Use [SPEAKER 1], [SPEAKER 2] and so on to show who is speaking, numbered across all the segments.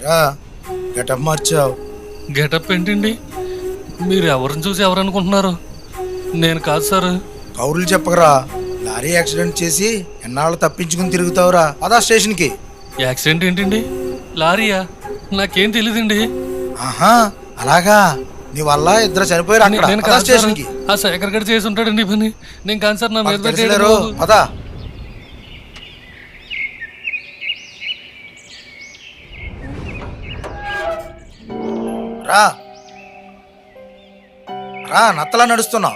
[SPEAKER 1] ఎరా getup మార్చావు.
[SPEAKER 2] Getup ఏంటండి? మీరు ఎవరిని చూసి ఎవరు అనుకుంటున్నారు? నేను కాదు సార్.
[SPEAKER 1] కౌరులు చెప్పకరా. లారీ యాక్సిడెంట్ చేసి ఎన్నాళ్ళు తప్పించుకుని తిరుగుతావురా. పదా స్టేషన్కి.
[SPEAKER 2] యాక్సిడెంట్ ఏంటండి? లారీయా? నాకేం తెలియదండి.
[SPEAKER 1] ఆహా అలాగా, నీ వల్ల ఇద్దరు చనిపోయారు అక్కడ.
[SPEAKER 2] నేను
[SPEAKER 1] పదా
[SPEAKER 2] కాదు సార్.
[SPEAKER 1] స్టేషన్కి.
[SPEAKER 2] ఆ శేఖర్ గడ్ చేసి ఉంటాడండి ఈ పని. నేను కాదు సార్. నా మీద
[SPEAKER 1] మాకు
[SPEAKER 2] పెట్టేయడం
[SPEAKER 1] తెలుసులేరు.
[SPEAKER 2] రాదు.
[SPEAKER 1] పదా. రా రా, నత్తలా నడుస్తున్నావు.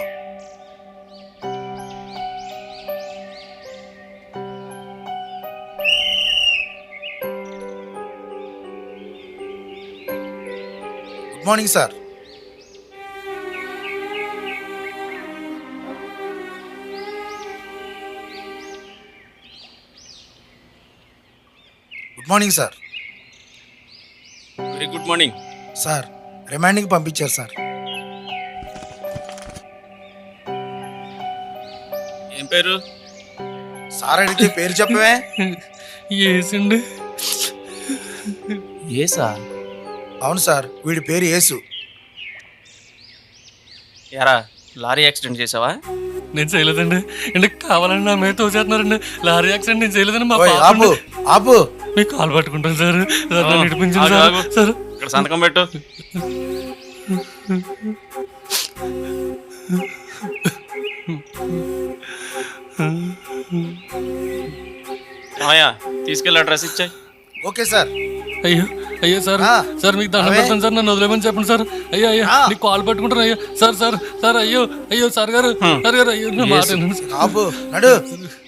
[SPEAKER 1] Good morning sir. Good morning sir.
[SPEAKER 3] Very good morning
[SPEAKER 1] sir రిమాండింగ్కి పంపించారు సార్.
[SPEAKER 3] ఏం పేరు?
[SPEAKER 1] సార్ అడిగితే పేరు చెప్పవే.
[SPEAKER 2] ఏసండి.
[SPEAKER 3] ఏసా?
[SPEAKER 1] అవును సార్, వీడి పేరు యేసు.
[SPEAKER 3] యారా లారీ యాక్సిడెంట్ చేసావా?
[SPEAKER 2] నేను చేయలేదండి. అంటే కావాలని నా మీద తోచేస్తున్నారండి. లారీ యాక్సిడెంట్ నేను చేయలేదండి. మా
[SPEAKER 1] ఓయ్,
[SPEAKER 2] పాప
[SPEAKER 1] ఆపు ఆపు.
[SPEAKER 2] మీ కాలు పట్టుకుంటాను సార్. సార్ నన్ను విడిపించండి
[SPEAKER 3] ఆగు,
[SPEAKER 2] సార్.
[SPEAKER 3] ఆగు.
[SPEAKER 2] సార్
[SPEAKER 3] ఇక్కడ సంతకం పెట్టు. ఏమయ్యా తీసుకెళ్ళి అడ్రస్ ఇచ్చాయి.
[SPEAKER 1] Okay sir.
[SPEAKER 2] అయ్యో అయ్యో సార్.
[SPEAKER 1] ఆ,
[SPEAKER 2] సార్ మీకు దండం
[SPEAKER 1] అవే.
[SPEAKER 2] పెడతాను సార్. నన్ను వదిలేమని చెప్పండి సార్. అయ్యో అయ్యో
[SPEAKER 1] ఆ.
[SPEAKER 2] నీకు కాల్ పట్టుకుంటాను. అయ్యో సార్ సార్ సార్. అయ్యో అయ్యో సార్ గారు. సార్ గారు అయ్యో నా మాట వినండి సార్.
[SPEAKER 1] ఆపు నడు.